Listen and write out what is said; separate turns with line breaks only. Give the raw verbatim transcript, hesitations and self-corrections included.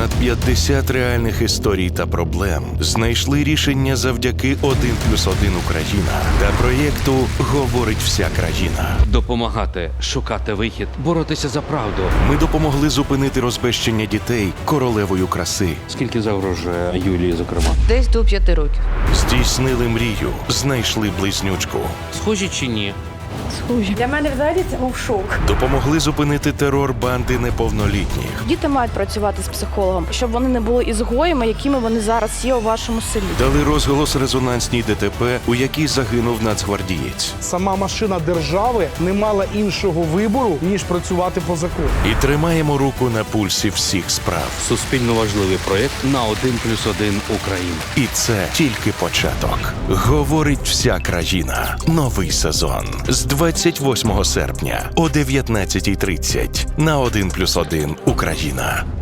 Понад п'ятдесят реальних історій та проблем знайшли рішення завдяки один плюс один Україна та проєкту «Говорить вся країна».
Допомагати, шукати вихід, боротися за правду.
Ми допомогли зупинити розбещення дітей королевою краси.
Скільки загрожує Юлії, зокрема?
Десь до п'яти років.
Здійснили мрію, знайшли близнючку.
Схожі чи ні?
Для мене взагалі це був шок.
Допомогли зупинити терор банди неповнолітніх.
Діти мають працювати з психологом, щоб вони не були ізгоями, якими вони зараз є у вашому селі.
Дали розголос резонансній ДТП, у якій загинув нацгвардієць.
Сама машина держави не мала іншого вибору, ніж працювати по закону.
І тримаємо руку на пульсі всіх справ.
Суспільно важливий проєкт на один плюс один Україна.
І це тільки початок. Говорить вся країна. Новий сезон. З двадцять восьмого серпня о дев'ятнадцятій тридцять на один плюс один Україна.